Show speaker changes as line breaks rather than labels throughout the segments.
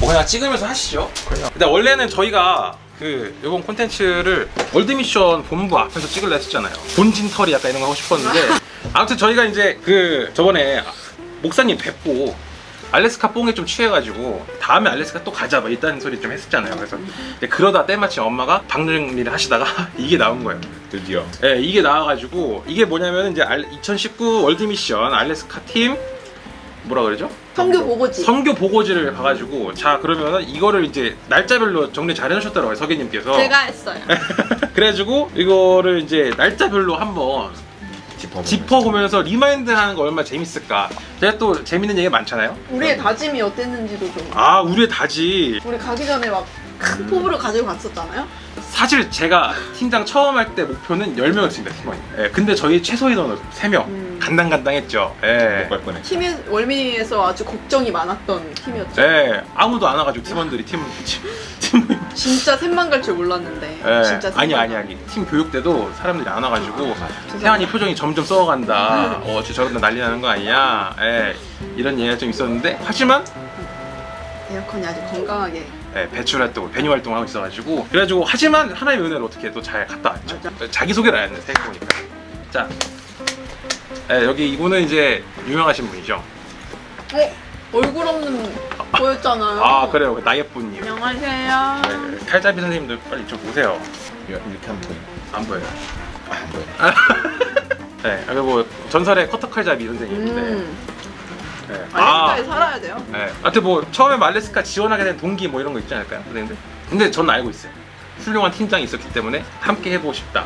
뭐 그냥 찍으면서 하시죠. 그냥. 근데 원래는 저희가 요번 콘텐츠를 월드미션 본부 앞에서 찍으려 했었잖아요. 본진 털이 약간 이런 거 하고 싶었는데 아무튼 저희가 이제 저번에 목사님 뵙고 알래스카 뽕에 좀 취해가지고 다음에 알래스카 또 가자 막 이딴 소리 좀 했었잖아요. 그래서 그러다 때마침 엄마가 박능리를 하시다가 이게 나온 거예요.
드디어.
네, 이게 나와가지고 이게 뭐냐면 이제 2019 월드미션 알래스카 팀 뭐라 그러죠?
성교 보고지.
선교 보고지를 봐가지고 자 그러면은 이거를 이제 날짜별로 정리 잘 해놓으셨더라고요 서계님께서.
제가 했어요.
그래가지고 이거를 이제 날짜별로 한번 짚어보면서 리마인드하는 거 얼마나 재밌을까. 제가 또 재밌는 얘기 많잖아요.
우리의 다짐이 어땠는지도 좀.
아 우리의 다짐.
우리 가기 전에 막 큰 포부를 가지고 갔었잖아요.
사실 제가 팀장 처음 할 때 목표는 10명이었습니다 팀원이. 예, 근데 저희 최소 인원은 3명. 간당간당했죠. 예.
못갈 뻔해.
팀이 월미에서 아주 걱정이 많았던 팀이었죠.
예, 아무도 안 와가지고 팀원들이 팀
진짜 셋만 갈 줄 몰랐는데.
예.
진짜
아니 팀 교육 때도 사람들이 안 와가지고 태환이 표정이 점점 썩어간다. 저러다 난리 나는 거 아니야. 예, 이런 얘기가 좀 있었는데 하지만
에어컨이 아주 건강하게.
예, 배출 활동, 배뉴 활동을 하고 있어가지고 그래가지고 하지만 하나님의 은혜로 어떻게 또 잘 갔다 왔죠.
맞아.
자기소개를 안 했네 생각해보니까. 자, 예, 여기 이분은 이제 유명하신 분이죠.
얼굴 없는 보였잖아요.
아 그래요, 나예쁜님.
안녕하세요.
네, 칼잡이 선생님들 빨리 이쪽 오세요.
이렇게 하면 보여.
안 보여요.
안 보여.
네, 여기 뭐 전설의 커터 칼잡이 선생님인데. 네.
알래스카에 살아야 돼요.
네. 하여튼 뭐 처음에 알래스카 지원하게 된 동기 뭐 이런 거 있지 않을까요, 선생님들? 근데 전 알고 있어요. 훌륭한 팀장이 있었기 때문에 함께 해보고 싶다.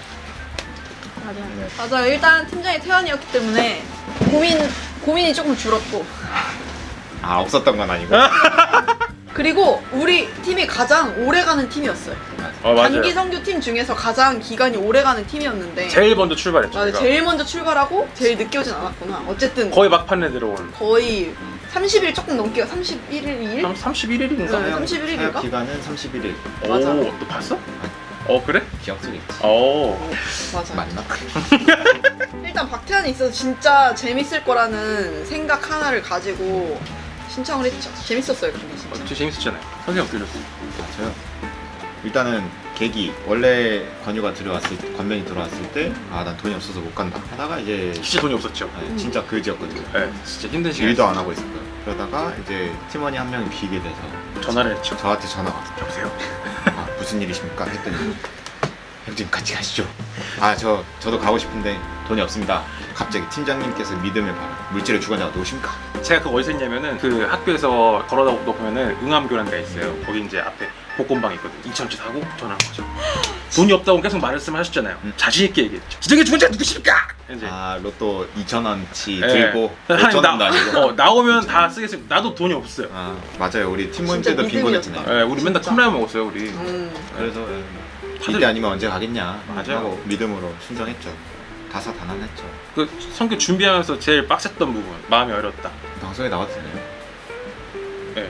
맞아요. 일단 팀장이 태환이었기 때문에 고민이 조금 줄었고.
아 없었던 건 아니고.
그리고 우리 팀이 가장 오래가는 팀이었어요.
맞아요.
단기 선교 팀 중에서 가장 기간이 오래가는 팀이었는데.
제일 먼저 출발했죠.
맞아요.
제가.
제일 먼저 출발하고 제일 늦게 오진 않았구나. 어쨌든
거의 막판에 들어온.
거의 30일 조금 넘게 31일?
31일인가?
네. 31일 인가?
기간은 31일.
맞아.
오, 너 봤어? 그래?
기억 속에 있지.
맞아.
맞나?
일단 박태환이 있어서 진짜 재밌을 거라는 생각 하나를 가지고 신청을 했죠. 재밌었어요, 근데 진짜.
진짜 재밌었잖아요. 선생님 어떻게 들렸어요?
맞아요. 일단은 계기 원래 권면이 들어왔을 때 아 난 돈이 없어서 못 간다 하다가 이제
진짜 돈이 없었죠.
진짜 그지였거든요.
네, 진짜 힘든 시간.
일도 안 하고 있었고요. 그러다가 이제 팀원이 한 명이 비게 돼서
전화를 했죠.
저한테 전화가 왔어요.
여보세요?
아 무슨 일이십니까? 했더니 형님 같이 가시죠. 아 저도 가고 싶은데 돈이 없습니다. 갑자기 팀장님께서 믿음을 바라 물질을 주관자가 누구십니까?
제가 그거 어디서 했냐면은 그 학교에서 걸어다 보면은 응암교란가 있어요. 거기 이제 앞에 복권방 있거든요. 2,000원치 사고 전화한 거죠. 돈이 없다고 계속 말씀을 하셨잖아요. 자신 있게 얘기했죠. 지정의 주관자 누구십니까? 이제
아 로또 2,000원치
예.
들고
아니,
5,000원도 아니고.
나오면 다 쓰겠습니다. 나도 돈이 없어요.
아 맞아요. 우리 팀 모임
진짜
때도 빈곤
믿음이었다.
했잖아요.
우리 맨날
진짜.
컵라면 먹었어요 우리.
그래서
다들-
이때 아니면 언제 가겠냐
맞아요.
하고 믿음으로 순종했죠. 다사다난했죠.
그 선교 준비하면서 제일 빡셌던 부분, 마음이 어렸다.
방송에 나와도 되나요?
네.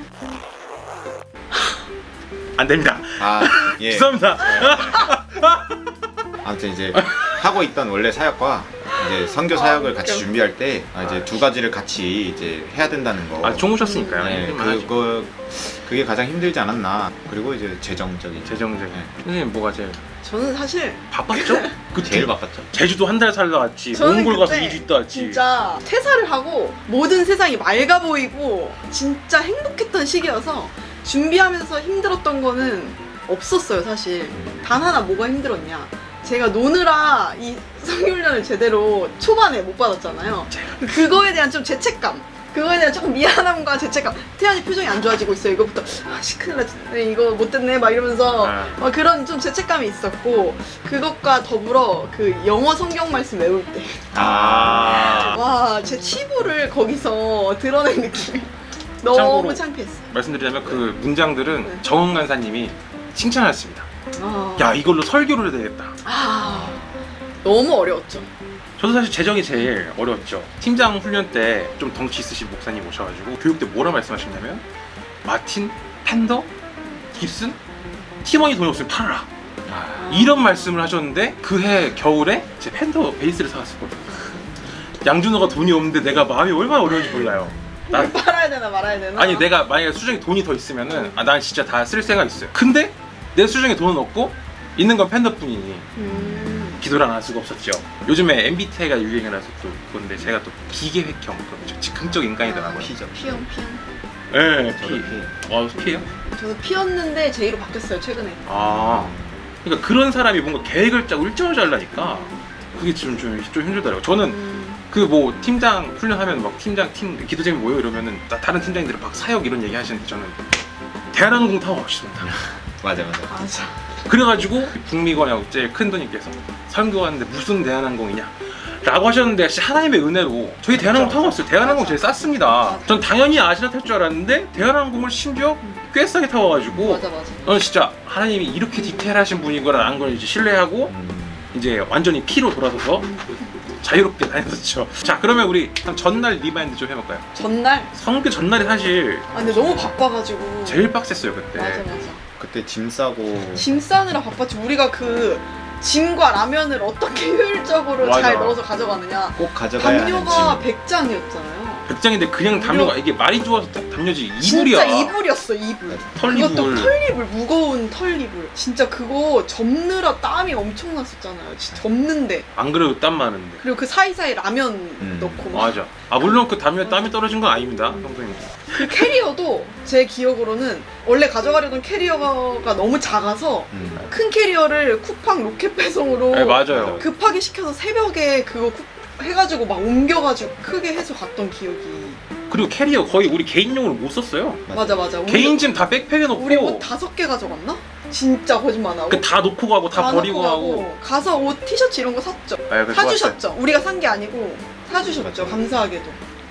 안 됩니다.
아 예.
죄송합니다.
아무튼 이제 하고 있던 원래 사역과 이제 선교 사역을 같이 준비할 때 이제 두 가지를 같이 이제 해야 된다는 거.
아, 종 오셨으니까요.
네,
힘들만 하죠.
그게 가장 힘들지 않았나. 그리고 이제 재정적인.
재정적인.
네.
선생님 뭐가 제일
저는 사실
바빴죠? 그때
제일 바빴죠.
제주도 한 달 살다 왔지.
저는
몽골 가서
그때
2주 있다 왔지.
진짜 퇴사를 하고 모든 세상이 맑아 보이고 진짜 행복했던 시기여서 준비하면서 힘들었던 거는 없었어요, 사실. 단 하나 뭐가 힘들었냐. 제가 노느라 이 성교훈련을 제대로 초반에 못 받았잖아요. 그거에 대한 좀 죄책감. 그거에 대한 조금 미안함과 죄책감. 태연이 표정이 안 좋아지고 있어요. 이거부터 큰일 났네. 이거 못됐네. 막 이러면서 막 그런 좀 죄책감이 있었고 그것과 더불어 그 영어 성경 말씀 외울 때 와, 제 치부를 거기서 드러낸 느낌이 너무
참고로
창피했어요.
말씀드리자면 그 문장들은
네.
정은 간사님이 칭찬하셨습니다. 야, 이걸로 설교를 해야 되겠다.
너무 어려웠죠.
저도 사실 재정이 제일 어려웠죠. 팀장 훈련 때 좀 덩치 있으신 목사님 오셔가지고 교육 때 뭐라 말씀하셨냐면 마틴, 팬더, 깁슨, 팀원이 돈이 없으면 팔아라. 이런 말씀을 하셨는데 그 해 겨울에 제 팬더 베이스를 사왔었거든요. 양준호가 돈이 없는데 내가 마음이 얼마나 어려운지 몰라요. 나
팔아야 되나 말아야 되나?
아니 내가 만약에 수중에 돈이 더 있으면은 난 진짜 다 쓸 생각 있어요. 근데 내 수중에 돈은 없고 있는 건 팬더뿐이니 기도를 안 할 수가 없었죠. 요즘에 MBTI가 유행이라서 또 그건데 제가 또 기계획형 그런 즉흥적 인간이더라고요.
피죠.
P형.
네,
저도 피.
P예요?
저도 P였는데 J로 바뀌었어요 최근에.
아, 그러니까 그런 사람이 뭔가 계획을 짜고 일정을 짜려니까 그게 좀 힘들더라고요. 저는 그 뭐 팀장 훈련하면 막 팀 기도쟁이 모여 이러면은 다른 팀장님들이 막 사역 이런 얘기 하시는데 저는 대한항공 타고 가고 싶습니다.
맞아.
맞아.
그래가지고 북미권하고 제일 큰 분님께서 설교하는데 무슨 대한항공이냐 라고 하셨는데 진짜 하나님의 은혜로 저희 대한항공 타고 왔어요. 대한항공 제일 쌌습니다.
맞아.
전 당연히 아시아 탈 줄 알았는데 대한항공을 심지어 꽤 싸게 타고 와가지고
맞아.
저는 진짜 하나님이 이렇게 디테일하신 분이구나라는 걸 이제 신뢰하고 이제 완전히 P로 돌아서서 자유롭게 다녔었죠. 자, 그러면 우리 전날 리마인드 좀 해볼까요?
전날.
성교 전날이 사실
아 근데 너무 바빠가지고.
제일 빡셌어요 그때.
맞아.
그때 짐 싸고
짐 싸느라 바빴지. 우리가 그 짐과 라면을 어떻게 효율적으로
맞아.
잘 넣어서 가져가느냐.
꼭 가져가야 하는
담요가
짐.
100장이었잖아요.
100장인데 그냥 담요가 이게 말이 좋아서 담요지 이불이야.
진짜 이불이었어 이불.
털이불.
그것도 털이불, 무거운 털이불. 진짜 그거 접느라 땀이 엄청 났었잖아요. 진짜 접는데.
안 그래도 땀 많은데.
그리고 그 사이사이 라면 넣고 막.
맞아. 아 물론 그 담요에 땀이 떨어진 건 아닙니다, 형수님.
그 캐리어도 제 기억으로는 원래 가져가려던 캐리어가 너무 작아서 큰 캐리어를 쿠팡 로켓 배송으로
네, 맞아요.
급하게 시켜서 새벽에 그거 해가지고 막 옮겨가지고 크게 해서 갔던 기억이.
그리고 캐리어 거의 우리 개인용으로 못 썼어요.
맞아.
개인 짐 다 백팩에 넣고.
우리 옷 5개 가져갔나? 진짜 거짓말 안 하고.
그 다 놓고 가고 다 버리고
넣고
가고.
가서 옷 티셔츠 이런 거 샀죠.
아, 그거
사주셨죠. 우리가 산 게 아니고 사주셨죠.
맞아.
감사하게도.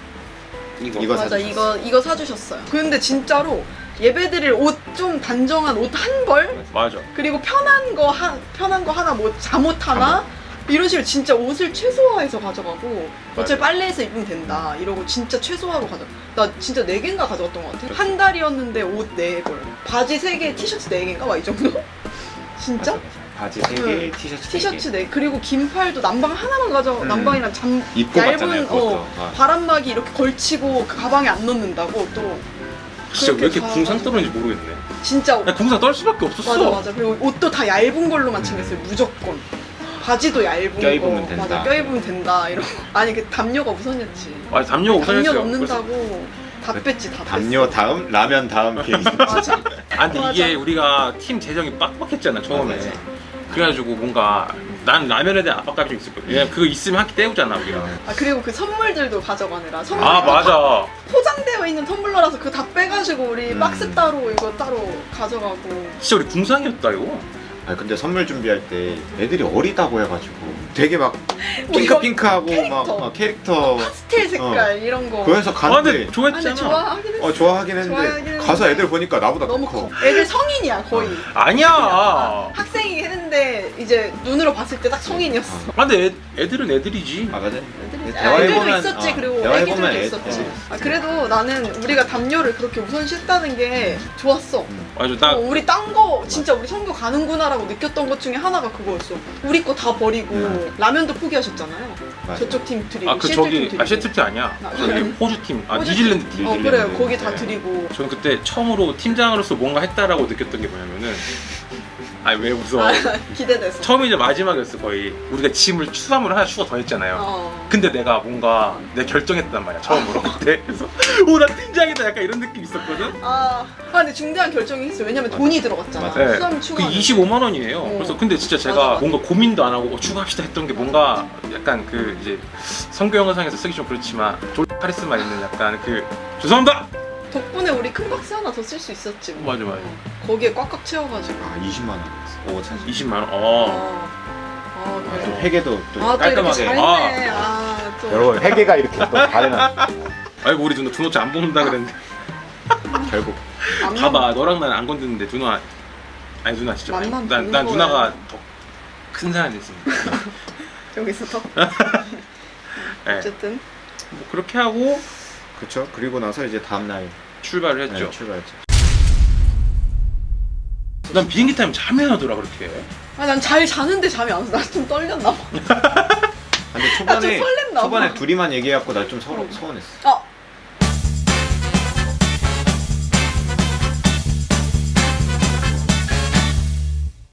이거
맞아
사주셨어.
이거 사주셨어요. 근데 진짜로 예배드릴 옷 좀 단정한 옷 한 벌,
맞아.
그리고 편한 거 하나, 뭐 잠옷 하나 이런 식으로 진짜 옷을 최소화해서 가져가고 어차피 빨래해서 입으면 된다 이러고 진짜 최소화로 나 진짜 4개인가 가져갔던 것 같아. 한 달이었는데 옷 4벌, 바지 3개, 티셔츠 4개인가 막 이 정도? 진짜?
맞아. 바지 3개, 티셔츠 3개.
티셔츠 4개. 그리고 긴팔도 남방 하나만 남방이랑
입고 갔잖아요,
얇은
그것도.
바람막이 이렇게 걸치고 그 가방에 안 넣는다고 또.
진짜 왜 이렇게
그렇게
궁상
가가지고.
떨는지 모르겠네.
진짜
나 궁상 떨 수밖에 없었어.
맞아. 그리고 옷도 다 얇은 걸로만 챙겼어요. 무조건. 바지도 얇은
껴입으면
거.
된다.
맞아. 껴입으면 된다. 이런 거. 아니 그 담요가 우선이었지.
맞아, 담요가
담요
우선이었어요.
넣는다고 다 뺐지 다
담요 다음 라면 다음 케이크.
맞아.
아 근데
맞아.
이게 우리가 팀 재정이 빡빡했잖아 처음에.
맞아.
그래가지고 뭔가 난 라면에 대한 압박감이 좀 있었거든. 왜냐면 그거 있으면 한 끼 때우잖아 우리가.
아 그리고 그 선물들도 가져가느라 선물
아 맞아.
포장되어 있는 텀블러라서 그거 다 빼가지고 우리
음.
박스 따로 이거 따로 가져가고.
진짜 우리 궁상이었다 이거.
아 근데 선물 준비할 때 애들이 어리다고 해가지고 되게 막
이거
핑크하고
캐릭터.
막 캐릭터
파스텔 색깔 이런 거.
그래서
아
가는데
근데 좋아했잖아.
근데 좋아하긴 했어.
좋아하긴 했는데
좋아하긴 했는데
가서 애들 보니까 나보다
너무
커.
커. 애들 성인이야 거의.
아니야.
학생이긴 했는데 이제 눈으로 봤을 때 딱 성인이었어.
아 근데 애들은 애들이지.
아 맞아.
애들도 있었지. 그리고 애기들도
애-
있었지. 아, 그래도 나는 우리가 담요를 그렇게 우선시했다는 게 좋았어.
맞아 나
우리 딴 거 진짜 우리 선교 가는구나라고 느꼈던 것 중에 하나가 그거였어. 우리 거 다 버리고 라면도 포기하셨잖아요.
맞아.
저쪽 팀 드리고
아 그
시애틀
저기
팀 드리고.
시애틀 팀 아니야.
아,
저기
그래?
호주 팀. 아
호주
뉴질랜드 팀.
그래요.
뉴질랜드.
거기 다
네.
드리고.
저는 그때 처음으로 팀장으로서 뭔가 했다라고 느꼈던 게 뭐냐면은 아니 왜 웃어.
아, 기대돼서.
처음이 이제 마지막이었어 거의. 우리가 짐을 추가물을 하나 추가 더 했잖아요. 근데 내가 뭔가 내 결정했단 말이야 처음으로 그때. 그래서 나 팀장이다 약간 이런 느낌 있었거든.
근데 중대한 결정이 있어. 왜냐면 돈이 들어갔잖아.
맞아.
네.
수화물
그
추가.
25만 원이에요. 그래서 근데 진짜 제가
맞아, 맞아.
뭔가 고민도 안 하고 추가합시다 했던 게 뭔가 약간 그 이제 성교 영상에서 쓰기 좀 그렇지만 졸 카리스마 있는 약간 그 죄송합니다.
덕분에 우리 큰 박스 하나 더 쓸 수 있었지. 뭐.
맞아.
거기에 꽉꽉 채워가지고.
아 20만 원. 오 참.
20만 원.
또
그래.
회계도 또
또 이렇게
깔끔하게.
잘했네. 또.
여러분 회계가 이렇게 또 다르나.
아이고 우리 누나 준호씨 안 먹는다 그랬는데.
결국
맘만-
봐봐 너랑 나는 안 건드는데 누나 아니 누나 진짜 많이
맘만
난
보는
누나가
거야.
더 큰 사람이 됐습니다.
여기서 더.
네.
어쨌든.
뭐 그렇게 하고
그쵸. 그리고 나서 이제 다음 날
출발을 했죠.
출발했죠.
난 비행기 타면 잠이 안 오더라 그렇게.
난 잘 자는데 잠이 안 와서 나 좀 떨렸나 봐.
근데
나 좀 설렜나 봐.
초반에 둘이만 얘기해갖고 나 좀 서운했어.